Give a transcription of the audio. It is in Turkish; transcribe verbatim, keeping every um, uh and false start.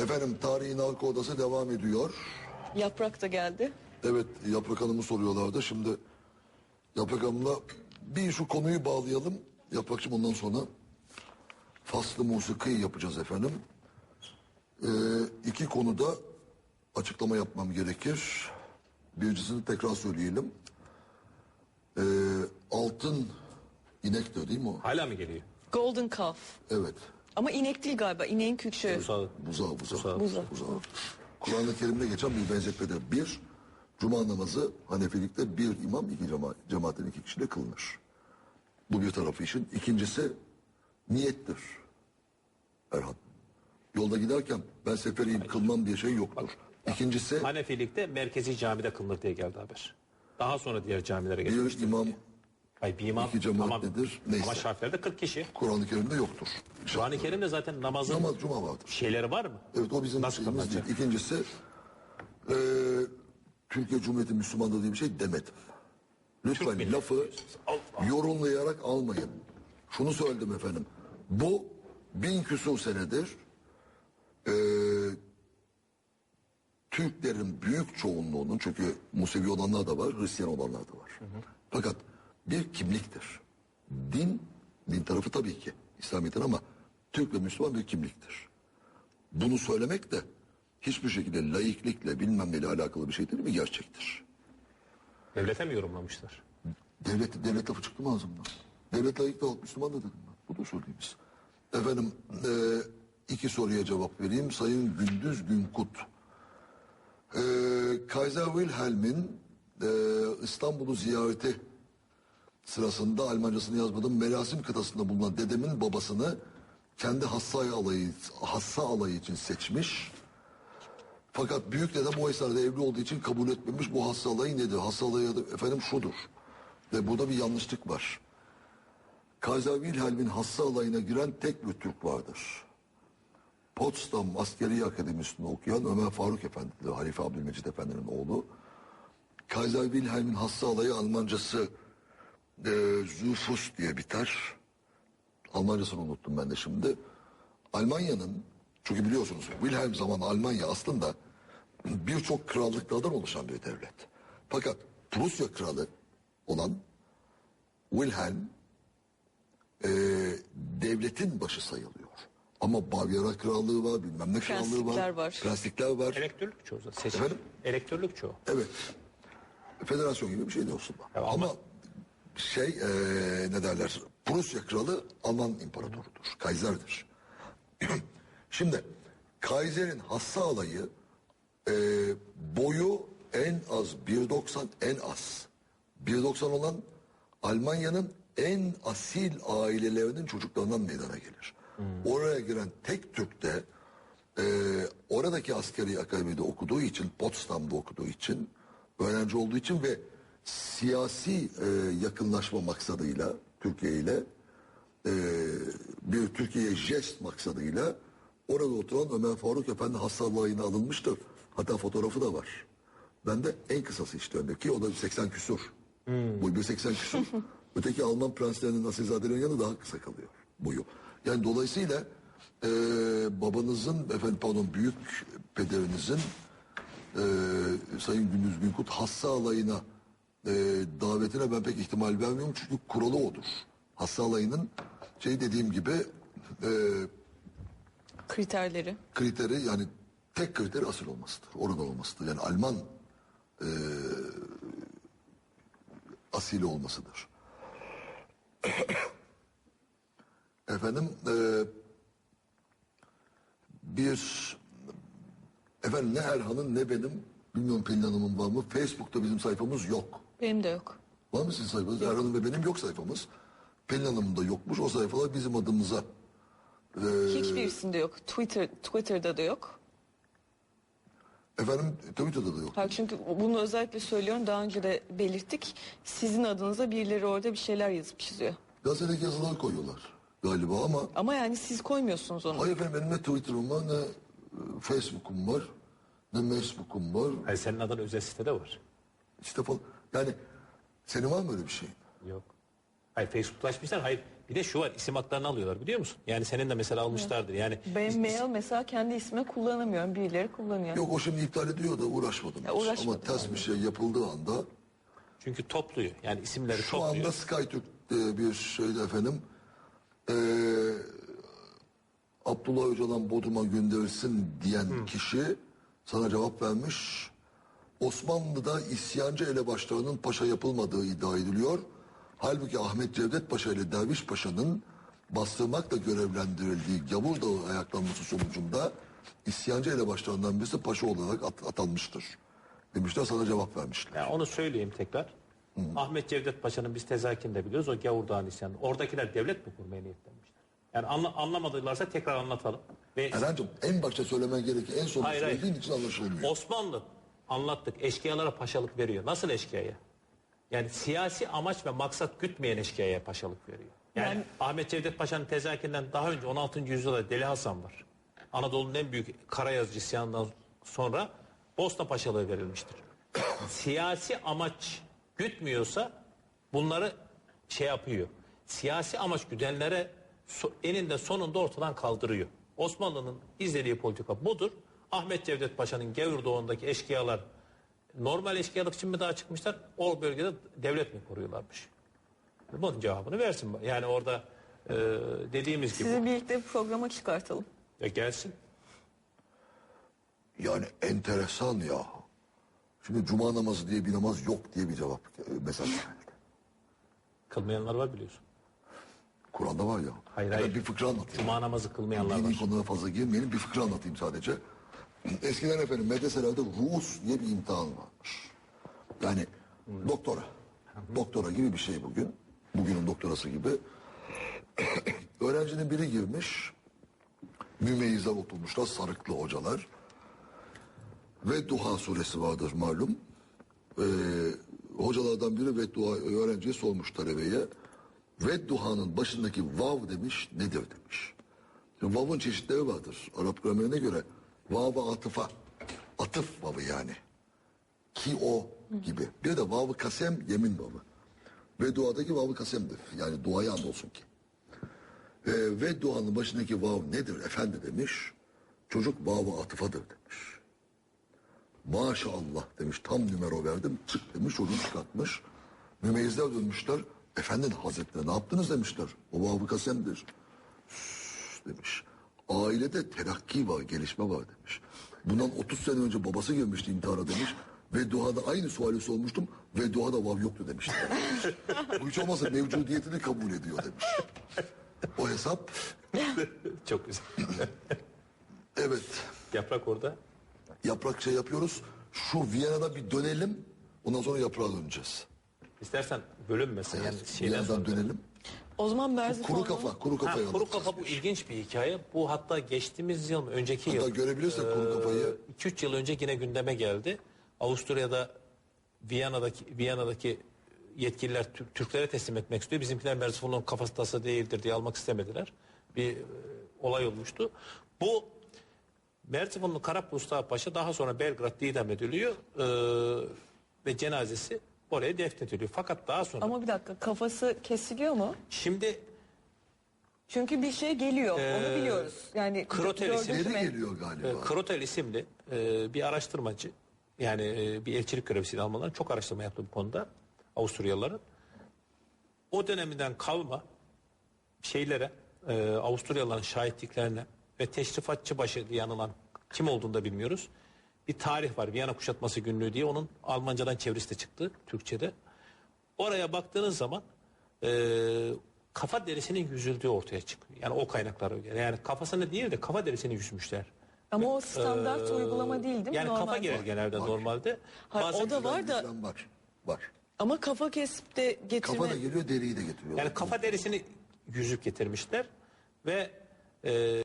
Efendim tarihin arka odası devam ediyor. Yaprak da geldi. Evet, Yaprak Hanım'ı soruyorlardı. Şimdi Yaprak Hanım'la bir şu konuyu bağlayalım. Yaprakçığım, ondan sonra faslı musiki yapacağız efendim. Ee, iki konuda açıklama yapmam gerekir. Birincisini tekrar söyleyelim. Ee, altın inek de değil mi o? Hala mı geliyor? Golden Calf. Evet. Ama inek değil galiba. İneğin kükçü. Buzağı. Buzağı, buzağı. Buzağı. Buzağı. Buzağı. Kur'an-ı Kerim'de geçen bir benzetmedir. Bir, Cuma namazı Hanefilikte bir imam, iki cema cemaatin iki kişiyle kılınır. Bu bir tarafı işin. İkincisi niyettir. Erhan. Yolda giderken ben seferiyim kılmam diye şey yoktur. İkincisi Hanefilikte merkezi camide kılınır diye geldi haber. Daha sonra diğer camilere geçmiştir. bir imam, Hayır, bir imam, iki cemaat ama, nedir? Neyse. ama şartlarda kırk kişi. Kur'an-ı Kerim'de yoktur. Kur'an-ı Kerim'de zaten namazın Namaz, cuma vardır. şeyleri var mı? Evet, o bizim Nasıl şeyimiz değil. kılınacak? İkincisi eee Türkiye Cumhuriyeti Müslümanlığı diye bir şey demedim. Lütfen milleti lafı Allah. yorumlayarak almayın. Şunu söyledim efendim. Bu bin küsur senedir eee Türklerin büyük çoğunluğunun, çünkü Musevi olanlar da var, Hristiyan olanlar da var. Hı hı. Fakat bir kimliktir. Din, din tarafı tabii ki İslamiyet'in, ama Türk ve Müslüman bir kimliktir. Bunu söylemek de hiçbir şekilde laiklikle bilmem neyle alakalı bir şey değil mi? Gerçektir. Devlete mi yorumlamışlar? Devlet, devlet lafı çıktı mı ağzımdan? Devlet layık da halk Müslüman da dedim ben. Bu da söyleyeyim size. Efendim e, iki soruya cevap vereyim. Sayın Gündüz Günkut. E, Kaiser Wilhelm'in e, İstanbul'u ziyareti sırasında, Almancasını yazmadım, Merasim kıtasında bulunan dedemin babasını kendi hassa alayı, hassa alayı için seçmiş. Fakat büyük dedem o esnada evli olduğu için kabul etmemiş. Bu hassa alayı nedir? Hassa alayı da efendim şudur. Ve burada bir yanlışlık var. Kaiser Wilhelm'in hassa alayına giren tek bir Türk vardır. Potsdam Askeri Akademisi'nde okuyan Ömer Faruk Efendi'dir. Halife Abdülmecit Efendi'nin oğlu. Kaiser Wilhelm'in hassa alayı Almancası e, Zufus diye biter. Almancasını unuttum ben de şimdi. Almanya'nın, çünkü biliyorsunuz Wilhelm zamanı Almanya aslında birçok krallıklardan oluşan bir devlet. Fakat Prusya kralı olan Wilhelm e, devletin başı sayılıyor. Ama Bavyera krallığı var, bilmem ne krallığı Prenslikler var. var. Prenslikler var. Elektörlük çoğu zaten. Seçim. Efendim? Elektörlük çoğu. Evet. Federasyon gibi bir şey de olsun. Ya ama- ama şey e, ne derler? Prusya kralı Alman imparatorudur. Kaiser'dir. Şimdi Kaiser'in hassa alayı e, boyu en az bir doksan, en az bir doksan olan Almanya'nın en asil ailelerinin çocuklarından meydana gelir. Hmm. Oraya giren tek Türk de e, oradaki askeri akademide okuduğu için, Potsdam'da okuduğu için, öğrenci olduğu için ve siyasi e, yakınlaşma maksadıyla Türkiye ile e, bir Türkiye'ye jest maksadıyla orada oturan Ömer Faruk Efendi hastalığına alınmıştır. Hatta fotoğrafı da var. Ben de en kısası işte Ömer ki o da seksen küsur. Hmm. Boyu bir seksen küsur. Öteki Alman prenslerinin, asilzadelerin yanı daha kısa kalıyor boyu. Yani dolayısıyla e, babanızın, efendim pardon büyük pederinizin e, Sayın Gündüz Günkut hassa alayına e, davetine ben pek ihtimal vermiyorum, çünkü kuralı odur. Hassa alayının şey dediğim gibi e, Kriterleri. kriteri, yani tek kriteri asil olmasıdır. Orada olmasıdır. Yani Alman e, asili olmasıdır. Efendim e, bir efendim ne Erhan'ın ne benim, bilmiyorum Pelin Hanım'ın var mı, Facebook'ta bizim sayfamız yok. Benim de yok. Var mı sizin sayfanız? Erhan'ın ve benim yok sayfamız. Pelin Hanım'ın da yokmuş. O sayfalar bizim adımıza. Ee, Hiçbirisinde yok. Twitter Twitter'da da yok. Efendim Twitter'da da yok. Hayır, çünkü bunu özellikle söylüyorum. Daha önce de belirttik. Sizin adınıza birileri orada bir şeyler yazıp çiziyor. Gazetedeki yazılar koyuyorlar galiba ama... Ama yani siz koymuyorsunuz onu. Hayır efendim, benim ne Twitter'ım var, ne e, Facebook'um var, ne Facebook'um var. Hayır, senin adın özel sitede var. İşte falan. Yani senin var mı öyle bir şeyin? Yok. Hayır Facebook'laşmışlar. Hayır bir de şu var isim haklarını alıyorlar biliyor musun? Yani senin de mesela almışlardır. Yani Ben mail mesela kendi ismime kullanamıyorum. Birileri kullanıyor. Yok o şimdi iptal ediyor da uğraşmadım. Ya hiç. uğraşmadım Ama ters bir şey yapıldığı anda çünkü topluyor. Yani isimleri şu topluyor. anda SkyTürk e, bir şeyde efendim e, Abdullah Öcalan Bodrum'a gönderilsin diyen kişi sana cevap vermiş. Osmanlı'da isyancı elebaşlarının paşa yapılmadığı iddia ediliyor. Halbuki Ahmet Cevdet Paşa ile Derviş Paşa'nın bastırmakla görevlendirildiği Gavur Dağı ayaklanması sonucunda isyancı elebaşlarından birisi paşa olarak at- atanmıştır. Demişler sana cevap vermişler. Yani onu söyleyeyim tekrar. Ahmet Cevdet Paşa'nın biz tezakinde biliyoruz. O Gavur Dağı'nın isyanı. Oradakiler devlet mi kurmaya niyetlenmişler? Yani anla, anlamadılarsa tekrar anlatalım. Ve Erhan'cığım en başta söylemen gereken en son Hayır, hayır. söylediğin için anlaşılmıyor. Osmanlı anlattık eşkıyalara paşalık veriyor. Nasıl eşkıyaya? Yani siyasi amaç ve maksat gütmeyen eşkıyaya paşalık veriyor. Yani, Yani- Ahmet Cevdet Paşa'nın tezakinden daha önce on altıncı yüzyılda Deli Hasan var. Anadolu'nun en büyük karayazıcı isyanından sonra Bosna Paşalığı verilmiştir. Siyasi amaç gütmüyorsa bunları şey yapıyor. Siyasi amaç güdenlere so- eninde sonunda ortadan kaldırıyor. Osmanlı'nın izlediği politika budur. Ahmet Cevdet Paşa'nın Gevur Doğu'ndaki eşkıyalar normal eşkıyalık için mi daha çıkmışlar? O bölgede devlet mi koruyorlarmış? Bunun cevabını versin. Yani orada e, dediğimiz gibi Sizi birlikte bir programa çıkartalım. ya gelsin. Yani enteresan ya. Şimdi cuma namazı diye bir namaz yok diye bir cevap e, mesaj geldi. Kılmayanlar var biliyorsun. Kur'an'da var ya. Hayır, Ben hayır. bir fıkra anlatayım. Cuma namazı kılmayanlar Dini var. konulara fazla girmeyelim. Bir fıkra anlatayım sadece. Eskiden efendim medreselerde ruus diye bir imtihan varmış. Yani doktora. Doktora gibi bir şey bugün. Bugünün doktorası gibi. Öğrencinin biri girmiş. Mümeyyize oturmuşlar sarıklı hocalar. Ve Duha suresi vardır malum. Ee, hocalardan biri ve Duha öğrenciye sormuş talebeye. Ve Duha'nın başındaki vav demiş nedir demiş. Şimdi vav'ın çeşitleri vardır. Arap gramerine göre vav-ı atıfa. Atıf vav'ı yani. Ki o gibi. Bir de vav-ı kasem yemin vav'ı. Ve duadaki vav-ı kasemdir. Yani duaya andolsun ki. Ee, ve duanın başındaki vav nedir efendi demiş. Çocuk vav-ı atıfadır demiş. Maşallah demiş tam numara verdim çık demiş çocuğu çıkartmış. Mümeyyizler dönmüşler. Efendinin hazretleri ne yaptınız demişler. O vav-ı kasemdir. Üf, demiş. Ailede terakki var gelişme var demiş. Bundan otuz sene önce babası girmişti intihara demiş. Ve duada aynı suali sormuştum. Ve duada vav yoktu demişti. Demiş. Bu hiç olmazsa mevcudiyetini kabul ediyor demiş. O hesap Çok güzel. evet. Yaprak orada. Yaprak şey yapıyoruz. Şu Viyana'da bir dönelim. Ondan sonra yaprağa döneceğiz. İstersen bölünmesin. Yani şeyden Viyana'dan sonra. dönelim. O zaman Merzifon'da... Kuru kafa, kuru Ha, kafayı kuru anlatacağız. kafa bu ilginç bir hikaye. Bu hatta geçtiğimiz yıl mı, önceki Hatta yıl. görebilirsek kuru kafayı. iki üç yıl önce yine gündeme geldi. Avusturya'da Viyana'daki Viyana'daki yetkililer Türk- Türklere teslim etmek istiyor. Bizimkiler Merzifon'un kafası tası değildir diye almak istemediler. Bir e, olay olmuştu. Bu Merzifonlu Karap Mustafa Paşa daha sonra Belgrad idam ediliyor e, ve cenazesi oraya defnediliyor. Fakat daha sonra Ama bir dakika kafası kesiliyor mu? şimdi Çünkü bir şey geliyor. Ee, onu biliyoruz. Yani Krotel gördük isimli- Geri mü? geliyor galiba. E, Krotel isimli e, bir araştırmacı yani e, bir elçilik görevlisiyle Almanların çok araştırma yaptı bu konuda Avusturyalıların. O döneminden kalma şeylere e, Avusturyalıların şahitliklerine ve teşrifatçı başı diye anılan kim olduğunu da bilmiyoruz. Bir tarih var Viyana Kuşatması Günlüğü diye onun Almancadan çevirisi de çıktı Türkçe'de. Oraya baktığınız zaman e, kafa derisinin yüzüldüğü ortaya çıkıyor. Yani o kaynaklara göre. Yani kafasını değil de kafa derisini yüzmüşler. Ama o standart Ee, uygulama değil değil mi? Yani Normal kafa bu. gelir genelde normalde. Hayır, Bazen- o da var da Bizden var. Var. ama kafa kesip de getirme... Kafa da geliyor deriyi de getiriyor. Yani kafa derisini yüzük getirmişler ve e,